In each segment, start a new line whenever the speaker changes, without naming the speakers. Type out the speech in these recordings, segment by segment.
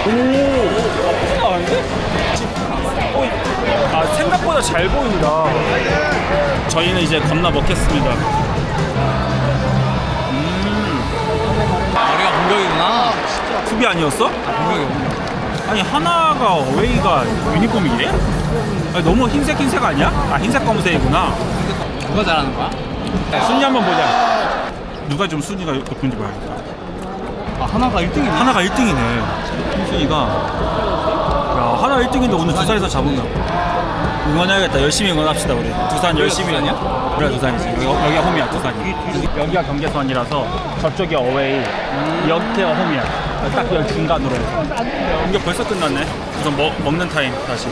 오, 나는데? 아, 생각보다 잘 보인다. 저희는 이제 겁나 먹겠습니다.
우리가 공격이구나.
수비 아니었어?
공격이구나.
아니 하나가 어웨이가 유니폼이 이래? 아니, 너무 흰색 아니야? 아 흰색 검은색이구나.
누가 잘하는 거야?
순위 한번 보자. 누가 좀 순위가 높은지 봐야겠다.
아, 하나가 1등이네.
하나가 1등이네. 순위가. 야 하나 1등인데 오늘 두산에서 잡은다. 응원해야겠다. 열심히 응원합시다 우리. 두산 열심히.
두산이야?
그래 두산이지. 여기가 홈이야 두산이. 여기가 경계선이라서 저쪽이 어웨이. 여기가 홈이야. 딱 여기 중간으로 해서. 공격 벌써 끝났네. 우선 먹는 타임 다시.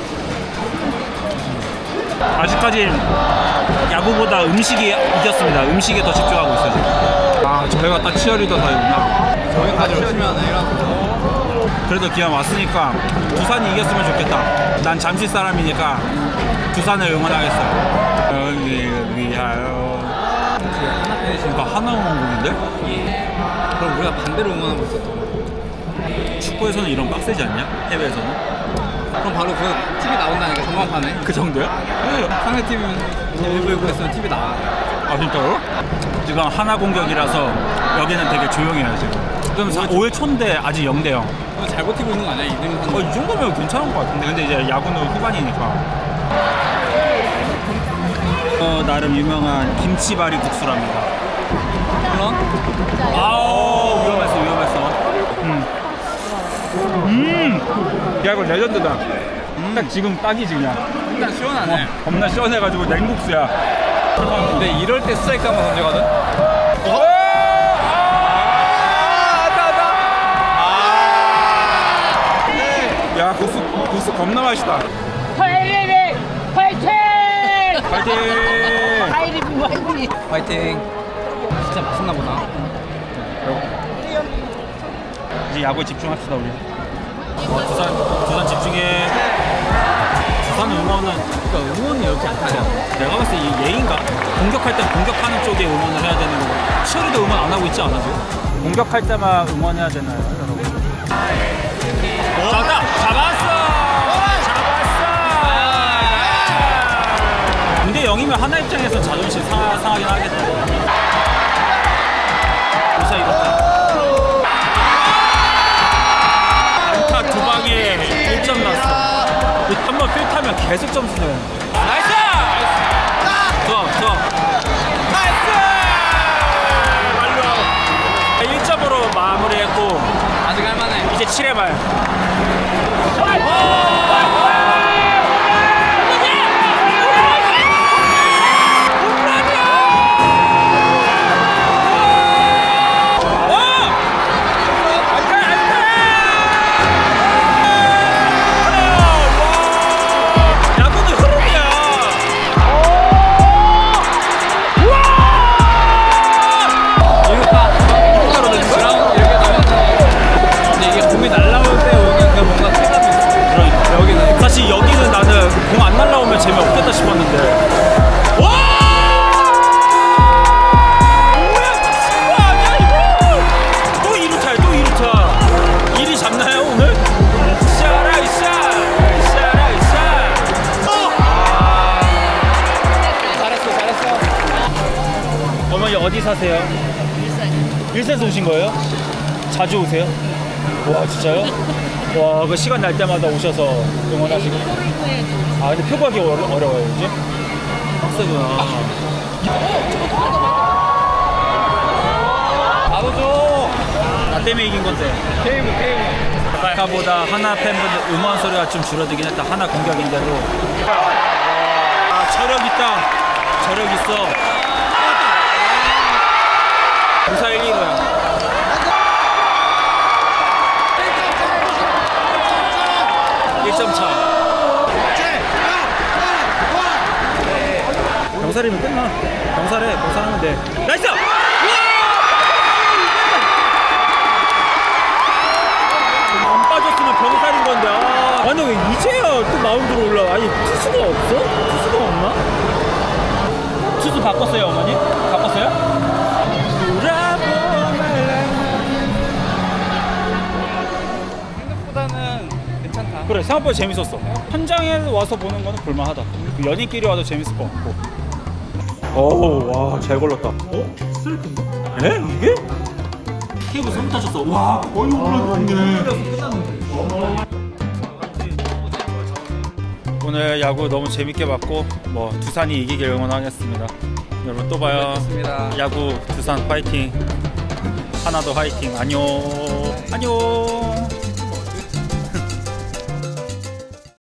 아직까지 야구보다 음식이 이겼습니다. 음식에 더 집중하고 있어요 지금. 아 저희가 딱 치어리더 사이구나.
저희 다들 열심히 하네. 이런.
그래도 기왕 왔으니까 두산이 이겼으면 좋겠다. 난 잠실 사람이니까 두산을 응원하겠어요. 여기를 위하여.
하나 팬이신가?
그러니까 하나 응원곡인데?
그럼 우리가 반대로 응원하고 있었던 거야.
축구에서는 이런 빡세지 않냐? 해외에서는?
그럼 바로 그 TV 나온다니까, 전광판에.
그 정도야?
상대 팀은 일부 예고했으면 TV 나와.
아 진짜로? 지금 하나 공격이라서 여기는 되게 조용해요 지금. 지금 5회 초인데 아직 0대0.
잘 버티고 있는 거 아니야? 2등 한.
이 정도면 괜찮은 것 같은데. 근데 이제 야구는 후반이니까. 나름 유명한 김치바리 국수랍니다.
물론.
아우 위험했어. 야 이거 레전드다. 딱 지금 딱이지 그냥.
일단 시원하네.
겁나 시원해가지고 냉국수야.
근데 이럴 때 스트라이크 한번 던지거든?
야 국수 겁나 맛있다.
하이리빅 화이팅!
파이팅!
하이리빅 화이팅!
파이팅. 진짜 맛있나 보다.
이제 야구에 집중합시다 우리. 두산 집중해. 두산 응원은
그러니까 응원이 이렇게 안 타냐?
내가 봤을 때 이 예인가? 공격할 땐 공격하는 쪽에 응원을 해야 되는 거고. 치어리도 응원 안 하고 있지 않아 지금? 공격할 때만 응원해야 되나요 여러분? 잡았어! 근데 0이면 하나 입장에서 자존심 상하긴 하겠다. 무사 이겼다. 안타 두 방에 1점 났어. 한번 필타면 계속 점수 내요. 나이스! 좋아. 나이스! 완료! 1점으로 마무리했고
아직 할만해.
이제 7회 말. 사실 여기는 나는 공 안 날라오면 재미없겠다 싶었는데. 와! 뭐야? 미친 거 아니야 이거? 또 2루타야 또 2루타. 1위 잡나요 오늘? 샤라이샤.
잘했어.
어머니 어디 사세요? 일산에서 오신 거예요? 자주 오세요? 와 진짜요? 와, 그 시간 날 때마다 오셔서 응원하시고. 아, 근데 표 구하기 어려워요, 이제? 빡세구나.
바로 줘.
나 때문에 이긴 건데.
케이브.
아까보다 하나 팬분들 응원 소리가 좀 줄어들긴 했다. 하나 공격인데도. 아, 저력 있어. 무사 1, 2로야. 병살이면 끝나. 병살하면 돼. 나이스! 안 빠졌으면 병살인 건데. 아니 왜 이제야 또 마운드로 올라? 아니 투수가 없어? 투수가 없나? 투수 바꿨어요 어머니? 바꿨어요?
생각보다는
그래 생각보다 재밌었어. 현장에 와서 보는 거는 볼만하다. 그 연인끼리 와도 재밌을 것 같고. 오와잘 걸렸다. 어? 스트레이트인가? 에? 이게? 케이블 3 타셨어. 와 거의 올라갔네. 오늘 야구 너무 재밌게 봤고 뭐 두산이 이기길 응원하겠습니다. 여러분 또 봐요.
고맙습니다.
야구 두산 파이팅. 하나도 화이팅. 안녕. 안녕.